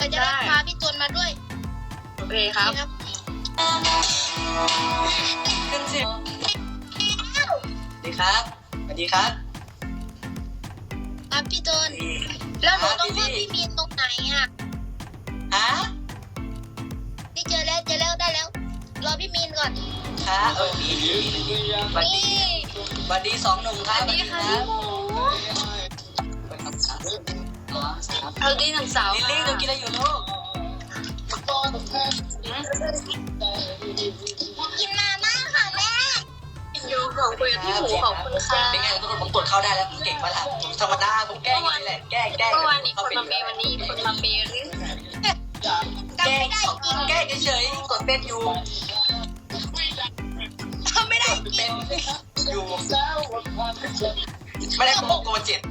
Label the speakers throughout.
Speaker 1: เราจะได้พาพี่จนมาด้วย
Speaker 2: โอเคครับ
Speaker 1: ครับ
Speaker 2: ขึ้นสิสวัสดีครับสวัสดีครับ
Speaker 1: ครับพี่จนแล้วหนูต้องเพิ่มพี่มีนตรงไหนอ่ะ
Speaker 2: ฮะ
Speaker 1: นี่เจอแล้วได้แล้วรอพี่มีนก่อน
Speaker 2: ครับดีสวัสดี
Speaker 1: นี่
Speaker 2: สวัสดีสองหนุ่มครับ
Speaker 1: สวัสดีค่ะพี่หมู
Speaker 2: สวัสดีหนึ่งสาวลิลลี่ดูกินอะไรอยู่ลูก
Speaker 1: กินมาม่าค่ะแม่
Speaker 2: อยู่ของคุยกับพี่หมูของคุณค่ะเป็นไงทุกคนผมกดเข้าได้แล้วผมเก่งมากผมธรรมดาผมแกล้งนี่แหละแกล้ง
Speaker 3: เมื่อวานนี้คนมาเมย์วันนี้คนมาเมย์หรือ
Speaker 1: จำไม่ได้จริง
Speaker 2: แกล้งเฉยๆกดเป็นอยู่
Speaker 1: จำไม่ได้จริ
Speaker 2: เป็
Speaker 1: ง
Speaker 2: นอยู่ไม่ได้โกงเจ็ด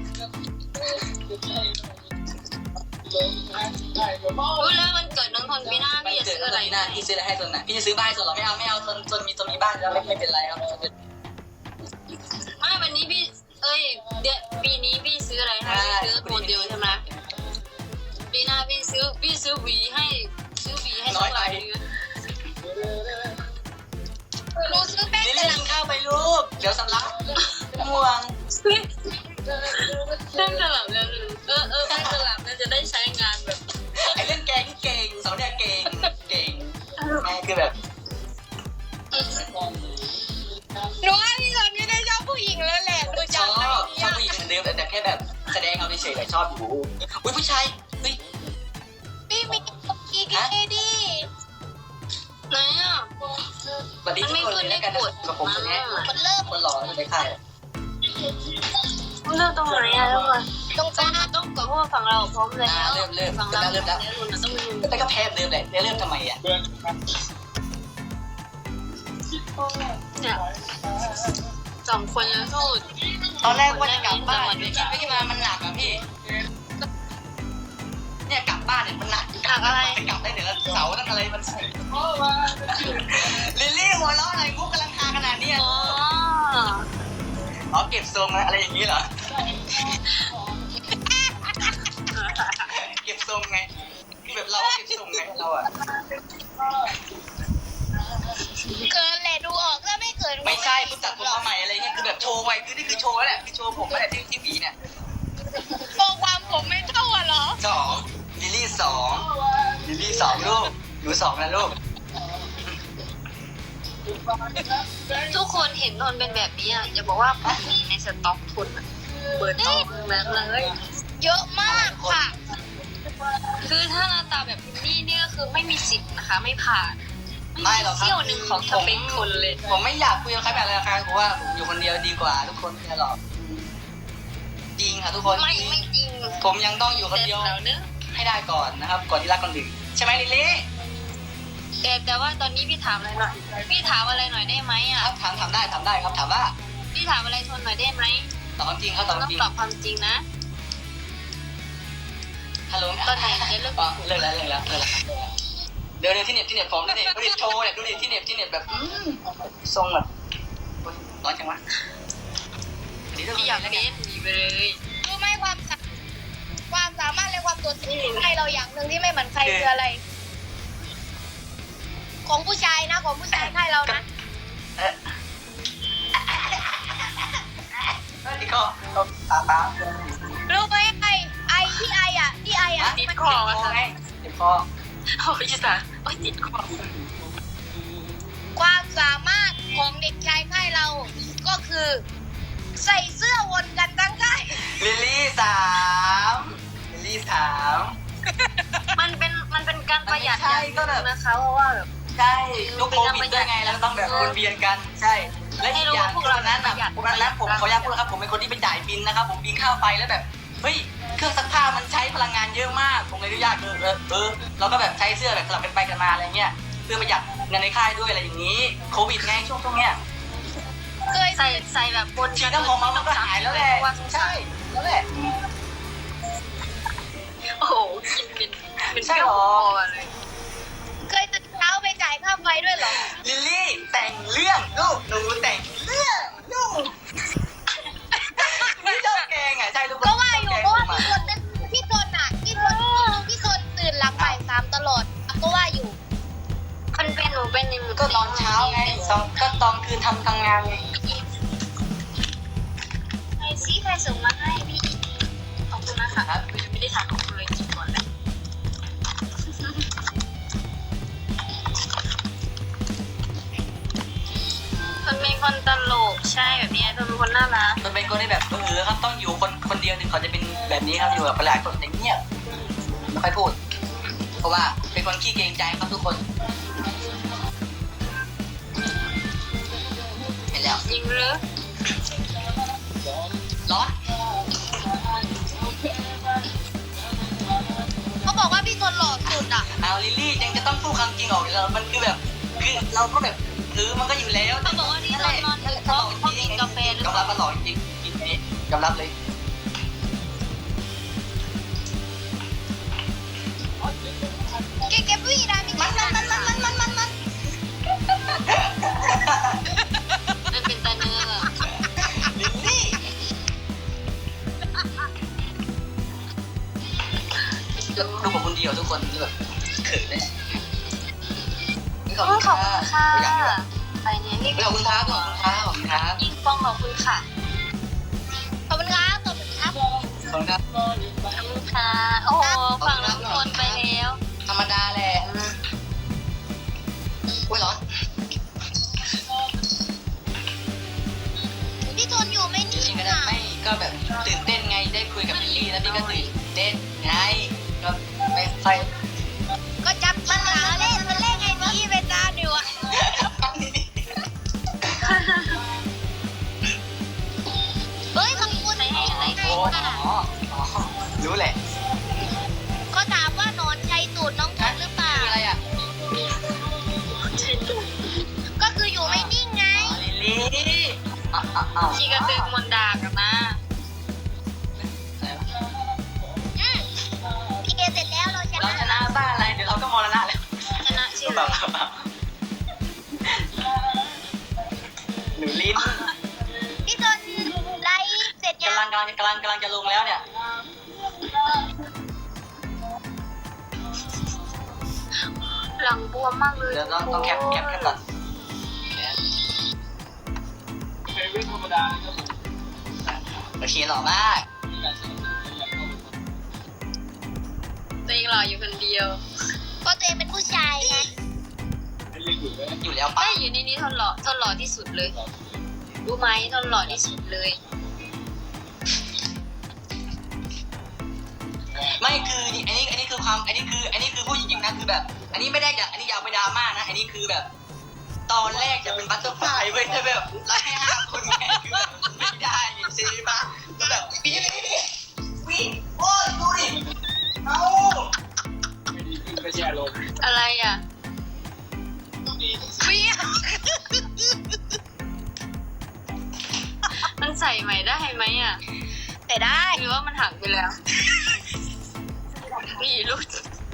Speaker 3: รู้แล้วมันเกิดน้องทนปีหน้า
Speaker 2: มัน
Speaker 3: พี่จะ
Speaker 2: เกิด
Speaker 3: ซื้อ
Speaker 2: อะ
Speaker 3: อะไร ไร
Speaker 2: นะพี่ซื้ออะไรให้ตนน่ะพี่จะซื้อบ้านให้ตนหรอไม่เอาตนมีบ้านแล้วไม่เป็นไรครับ
Speaker 3: ไม่วันนี้พี่ปีนี้พี่ซื้ออะไรให้พี่ซื้อโมเดลใช่ไหมปีหน้าพี่ซื้อหวีให้สักหลายเดือน
Speaker 1: หนูซื้อแป้ง
Speaker 2: ลิล
Speaker 1: กระ
Speaker 2: ลี่
Speaker 1: ห
Speaker 2: กิน
Speaker 1: ล่ำ
Speaker 2: ข้าวไปลูกเดี๋ยวสำลักม่วง
Speaker 3: แป้งกระหล่ำแล้วแป้งกระหล่ำจะได้ใช้งานแบบ
Speaker 2: ไอ้เล่นแกงเก่งสาวเนี่ยเก่งแม่คือแบบ
Speaker 1: หนูว่าพี่จนไม่ได้ชอบผู้หญิงแล้วแหละหนู
Speaker 2: ชอบ
Speaker 1: จำได้
Speaker 2: ชอบผู้หญิงเหมือนเดิมแต่แค่แบบแสดงเอาเฉยๆแต่ชอบอยู่อุ้ยผู้ชายเฮ้ย
Speaker 1: พี่มีกีกีดี
Speaker 3: ไหนอ่ะ
Speaker 2: สวัสดีทุกคนเลยแล้วกันกับผมคนนี้
Speaker 1: มันเริ่ม
Speaker 2: คนหล่อในค่าย
Speaker 3: เลือกตรงไหนอ่ะทุกคน
Speaker 1: ตรงกลาง
Speaker 3: ต้องกดเพราะว่าฝั่งเราพร้อมแล้ว
Speaker 2: เริ่ม
Speaker 3: ฝั่งเรา
Speaker 2: แล้ว
Speaker 3: แล้วมันต้องมี
Speaker 2: แต่ก็แพ้เดิมเลยเริ่มทำไมอ่ะ
Speaker 3: เนี่ยสองคนแล้วสู้
Speaker 2: ตอนแรกว่าจะกลับบ้านคิดไปคิดมามันหนักอะพี่เนี่ยกลับบ้านเนี่ยมันหนักจะกลับได้เดี๋ยวเสาตั้งอะไรมันลิลลี่หัวเราะอะไรมุกกำลังทาขนาดนี้
Speaker 3: อ๋อ
Speaker 2: อ๋อเก็บทรงอะไรอย่างนี้เหรอเก็บทรงไงแบบเราเก็บทรงไงเราอะ
Speaker 1: เกินแหละดูออกก็ไม่เกิน
Speaker 2: ไม่ใช่คุณตัดผมมาใหม่อะไรเงี้ยคือแบบโชว์ไว้คือนี่คือโชว์แหละคือโชว์ผมแหละที่หวีเนี่ย
Speaker 1: โปรความผมไม่เท่าอ่ะเหรอ
Speaker 2: ลิลลี่สองลูกอยู่สองนะลูก
Speaker 3: ทุกคนเห็นนนเป็นแบบนี้อ่ะอย่าบอกว่าผู้หญิงในสต็อกทุนอะเปิดต้องแบบเลย
Speaker 1: เยอะมากค่ะ
Speaker 3: คือถ้าหน้าตาแบบนี้เนี่ยคือไม่มีสิทธิ์นะคะไม่ผ่าน
Speaker 2: ไม่หรอกครับ
Speaker 3: เที่ยวหนึ่งของสเปคคนเลย
Speaker 2: ผมไม่อยากคุยกับใครแบบอะไรครับเพราะว่าผมอยู่คนเดียวดีกว่าทุกคนไม่หรอกจริงค่ะทุกคน
Speaker 3: ไม่จริง
Speaker 2: ผมยังต้องอยู่คนเดียว
Speaker 3: แล้วเนอะ
Speaker 2: ให้ได้ก่อนนะครับ ก่อนที่รักคนอื่นใช่ไหมลิลลี่
Speaker 3: แต่ว่าตอนนี้พี่ถามอะไรหน่อยพี่ถามอะไรหน่อยได้ไหม
Speaker 2: ค
Speaker 3: อ่ะ
Speaker 2: รับถามได้ครับถามว่า
Speaker 3: พี่ถามอะไรทนหน่อยได้ไหม
Speaker 2: ตอบความจริงครับตอบค
Speaker 3: ต้
Speaker 2: วา
Speaker 3: อ
Speaker 2: ม
Speaker 3: ง
Speaker 2: จริง
Speaker 3: ตอบความจริงนะ
Speaker 2: ฮัลโหล
Speaker 3: ตอนไหนจะเลิก
Speaker 2: อ๋อเลิกแล้วเดี๋ยวที่เน็ตผมดูดิโชว์เนี่ยดูดิที่เน็ตแบบทรงแบบร้อนจังวะ
Speaker 3: พี่อยากเบสหนีไปเลย
Speaker 1: รู้ไหมความสามารถและความโดดเด่นของใครเราอย่างหนึ่งที่ไม่เหมือนใครคืออะไร ของผู้ชายนะของผู้ชายใครเรานะ
Speaker 2: ที่ก็ตา
Speaker 1: รู้ไหมไอที่ไออ่ะที่ไออ่ะ
Speaker 3: ติด
Speaker 1: มัน
Speaker 3: คอวะ
Speaker 2: ไงเจ็บคอ
Speaker 3: โอ้ยอีสานโอ้ยติดคอ
Speaker 1: ความสามารถของเด็กชายค่ายเรา ก็คือ ใส่เสื้อวนกันทั้งค่าย
Speaker 2: ลิลลี่สาม
Speaker 3: มันเป็นการประหยัดอย่างหนึ่งนะคะเพราะว่าแบบ
Speaker 2: ใช่ลูกโควิดด้วยไงแล้วต้องแบบวนเวียนกันใช่และอีกอย่างพวกนั้นผมขออนุญาตพูดครับผมเป็นคนที่ไปจ่ายบินนะครับผมบินค่าไฟแล้วแบบเฮ้ยเครื่องซักผ้ามันใช้พลังงานเยอะมากผมเลยอนุญาตเราก็แบบใช้เสื้อแบบสลับกันไปกันมาอะไรเงี้ยเพื่อประหยัดเงินในค่ายด้วยอะไรอย่างนี้โควิดไงช่วงเนี้ย
Speaker 1: เคย
Speaker 3: ใส่แบบบน
Speaker 2: ฉีดน้ำหอมมันก็หายแล้วแหละใช่แล้วแหละ
Speaker 3: โอ้โหกินเป็น
Speaker 2: ใช่
Speaker 3: เปรี้ย
Speaker 2: ห
Speaker 3: ว
Speaker 2: รอ
Speaker 3: คอเลย
Speaker 1: เคยตื่นเช้าไปจ่ายค่าไฟด้วยเหรอ
Speaker 2: ลิลลี่แต่งเรื่องลูกหนูแต่งเรื่องลูกไม่ชอบแกงอ่ะใช่ทุกคน
Speaker 1: ก็ว่าอยู่เพราะว่าพี่คนตื่นหลังไป
Speaker 2: ตอนเช้าไงก็ตอนคืนทำงานไง
Speaker 3: ใครซิใครส่งมาให้พี่ขอบคุณนะคะครับไม่ได้ถามขอบคุณเลยกินก่อนเลยมันเป็นคนตลกใช่แบบนี้มันเป็นคนน่ารัก
Speaker 2: มันเป็นคนที่แบบครับต้องอยู่คนเดียวถึงเขาจะเป็นแบบนี้ครับอยู่กับหลายคนอย่างเงียบไม่ค่อยพูด เพราะว่าเป็นคนขี้เกรงใจครับทุกคนเห็นแล้ว
Speaker 3: ยิงหรือ
Speaker 2: ร้อน
Speaker 1: เขาบอกว่าพี่ทนหล่อสุดอ่ะ
Speaker 2: เอาลิลลี่ยังจะต้องพูดความจริงออกเรามันคือแบบคือเราก็แบบมันก็อยู่แล้ว
Speaker 3: เขาบอกว่าที่ตอนนอนดึกเพราะกินกาแฟหรือเป
Speaker 2: ยอมรั
Speaker 3: ล่า
Speaker 2: บมันหล่อจริงกินนี้ยอมรับเลย
Speaker 1: เก็บวี่ได้มีมัน
Speaker 3: มันเป็นตาเนื้อ
Speaker 2: ลิลลี่ดูผมคนเดียวทุกคนแบบเขินเลยขอบคุณ
Speaker 3: ขอบคุณค่ะ
Speaker 2: ค่ะ
Speaker 3: ไปเนี่ยนี่
Speaker 2: ขอบคุณครับขอบคุณครับขอบคุณครับ
Speaker 3: ยิ่งป้องขอบคุณค่ะ
Speaker 1: ขอบคุณครับขอบคุณครับ
Speaker 2: ขอบคุณครับ
Speaker 3: ขอบคุณค่ะโอ้โหฝั่งน้ำคนไปแล้ว
Speaker 2: ธรรมดาแหละอุ้ยร้อน
Speaker 1: พี่ทนอยู่ไม่
Speaker 2: จ
Speaker 1: นิ่
Speaker 2: ริง
Speaker 1: ง
Speaker 2: ๆก็ได้
Speaker 1: อ่ะ
Speaker 2: ไม่ก็แบบตื่นเต้นไงได้คุยกับลิลลี่แล้วนี่ก็ตื่นเต้นไงก็ไม่ค่อย
Speaker 1: ก็จับมันหาเล่นมันเล่นไงนี่เวลาหนูอ่ะเฮ้ยขอบคุณ
Speaker 3: ให้อะไร
Speaker 2: โอ้อ๋อรู้แหละ
Speaker 1: เขาถามว่าหนอนชัยตูดน้องทนหรือเปล่า
Speaker 2: คืออะไรอ่ะ
Speaker 1: ก็คืออยู่ไม่นิ่งไง
Speaker 2: อ๋อลิลลี่อ้าว
Speaker 3: ชีกระตึงมนดากันนะ
Speaker 1: พี่เกเสร็จแล้วเราช
Speaker 2: เรา
Speaker 1: นะ
Speaker 2: ชนะบ้าอะไรเดี๋ยวเราก็มรณะแล้ว
Speaker 3: ชนะชื่อ
Speaker 2: แบบหนูลิ้น
Speaker 1: พี่ทนไลฟ์เสร็จยัง
Speaker 2: กำลังจะลงแล้วเนี่ย
Speaker 3: หลังบวมมากเลย
Speaker 2: เดี๋ยวต้องแคปก่อน โอเคหล่อมาก
Speaker 3: ตัวเองหล่ออยู่คนเดียว
Speaker 1: ก็ตัวเองเป็นผู้ชายไง
Speaker 2: อยู่แล้วป้า
Speaker 3: ไม่อยู่ในนี้ทนหล่อที่สุดเลย รู้ไหมทนหล่อที่สุดเลย
Speaker 2: ไม่คืออันนี้คือความอันนี้คือผู้หญิงนะคือแบบ อันนี้ไม่ได้อยากอันนี้อยากไปดราม่านะอันนี้คือแบบ ตอนแรกจะเป็นบัตเตอร์ฟลายเว้ยแต่แบบไล่ให้5 คนไงคือแบบไม่ได้ใช่ปะก็แบบวิ่งโอ้ยดูดิเอา
Speaker 3: อะไรอ่ะ
Speaker 1: เบี้ย
Speaker 3: มันใส่ใหม่ได้ไหมอ่ะ
Speaker 1: แต่ได้
Speaker 3: หรือว่ามันหักไปแล้วมีลูก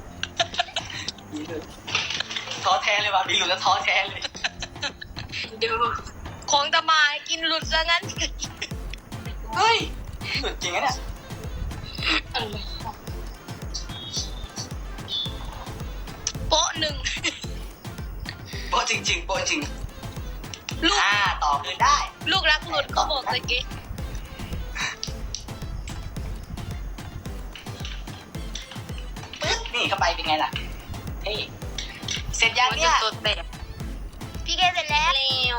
Speaker 2: ท้อแท้เลยว่ะพี่หลุดแล้วท้อแท้เลย
Speaker 3: ดู
Speaker 1: ของตะมากินหลุดซะงั้น
Speaker 2: เฮ้ยหลุดจริงนะเนี่ย
Speaker 1: โป๊ะหนึ่ง
Speaker 2: โป๊ะจริงโป๊ะจริง
Speaker 1: ลูก
Speaker 2: ต่อคืนได้
Speaker 1: ลูกรักหลุดเขาบอกตะกี้
Speaker 2: ปึ๊บนี่เข้าไปเป็นไงล่ะเฮ้ยเสร็จยัง
Speaker 3: มัน
Speaker 2: เนี่
Speaker 3: จะ
Speaker 2: ย
Speaker 3: ตัวแตก
Speaker 1: พี่เกเสร็จแล้ว
Speaker 3: เร็ว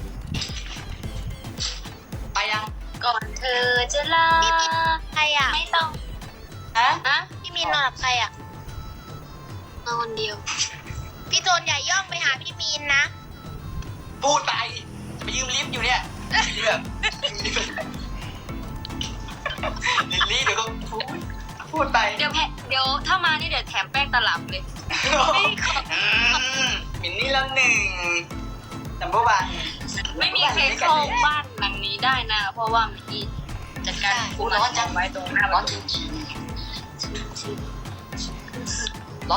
Speaker 2: ไปยัง
Speaker 3: ก่อนเธอจะลา
Speaker 1: ใครอ่ะ
Speaker 3: ไม่ต้อง
Speaker 2: ฮะ
Speaker 3: นะ
Speaker 1: พี่มีนนอนกับใครอ่ะ
Speaker 3: มาคนเดียว
Speaker 1: พี่โจนอย่าย่องไปหาพี่มีนนะ
Speaker 2: พูดไปจะไปยืมลิฟต์อยู่เนี่ยแบบลิลลี่เดี๋ยวก็พูดไป
Speaker 3: เดี๋ยวถ้ามานี่เดี๋ยวแถมแป้งตลับเลย
Speaker 2: มินนี่ละ1นัมเบอร์วัน
Speaker 3: ไม่มีใครเข้าบ้านหลังนี้ได้นะ เพราะว่ามีจัดการคุมร้อนจังไว้ตรงหน้า
Speaker 2: ร้
Speaker 3: บ้า
Speaker 2: อน นจริงร้อน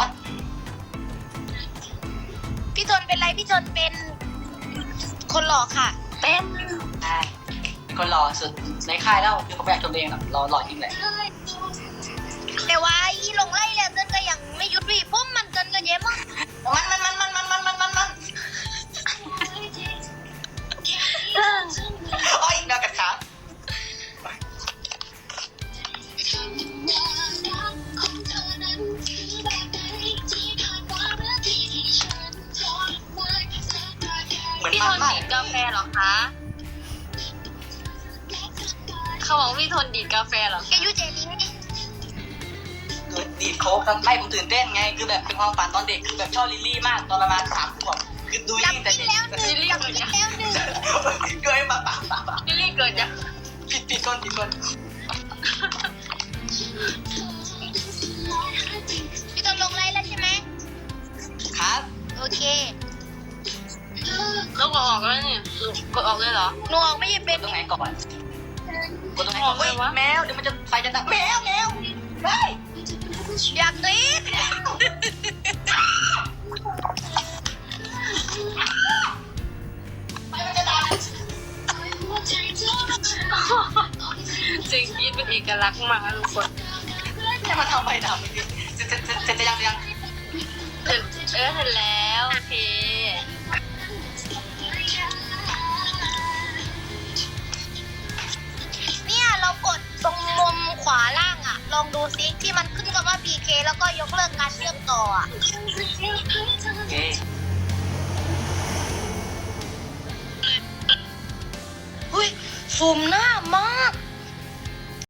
Speaker 1: พี่โจนเป็นไรพี่โจนเป็นคนหล่อค่ะ
Speaker 3: เป็น
Speaker 2: ใช่เป็นคนหล่อสุดในค่ายแล้วคือเขาไม่อยากชมตัวเองหรอกหล่อจริงแหละ
Speaker 1: แต่ว่าอีลงไล่แล้วเจนก็ยังไม่หยุดวีพุ่มมันเจนก็เย้มั้ง
Speaker 2: มัน
Speaker 3: เหรอคะ เขาบอกพี่ทนดีดกาแฟเหรอ
Speaker 1: แกยูเจนี้
Speaker 2: เกิดดีดโค้กครับไม่ผมตื่นเต้นไงคือแบบเป็นความฝันตอนเด็กคือแบบชอบลิลลี่มากตอนประมาณ3 ขวบคือดู
Speaker 1: จับ
Speaker 2: ยิ่งแต่
Speaker 1: ปิ้
Speaker 2: เด็
Speaker 1: ง
Speaker 2: ก
Speaker 1: แล้วหนึ่งจับปิ้งแล้วหนึ่ง
Speaker 2: เกยมาปะ
Speaker 3: ลิลลี่เกิดจาก
Speaker 2: ผิดคน
Speaker 1: พี่ต้นลงไลน์แล้วใช่ไหม
Speaker 2: ครับ
Speaker 1: โอเค
Speaker 3: ต้องกดออกแล้วนี่กดออกเลยเหรอ
Speaker 1: หนูออกไม่เป็น
Speaker 2: ตรงไหนก่อนกดตรงไหนก่อนเฮ้ยแมวเดี๋ยวมันจะไฟจะดับแมวไม่
Speaker 1: อยากกรี๊ด
Speaker 2: ไฟมันจะดับ
Speaker 3: จริงยีดเป็นเอกลักษณ์มากนะทุกคน
Speaker 2: ให้มันทำไฟดับจะยัง
Speaker 3: เสร็จเสร็จแล้วโอเค
Speaker 1: เนี่ยเรากดตรงมุมขวาล่างอ่ะ ลองดูซิที่มันขึ้นคำว่า PK แล้วก็ยกเลิกการเชื่อมต่ออ่ะ
Speaker 2: โอเค
Speaker 1: อุ้ยซูมหน้ามาก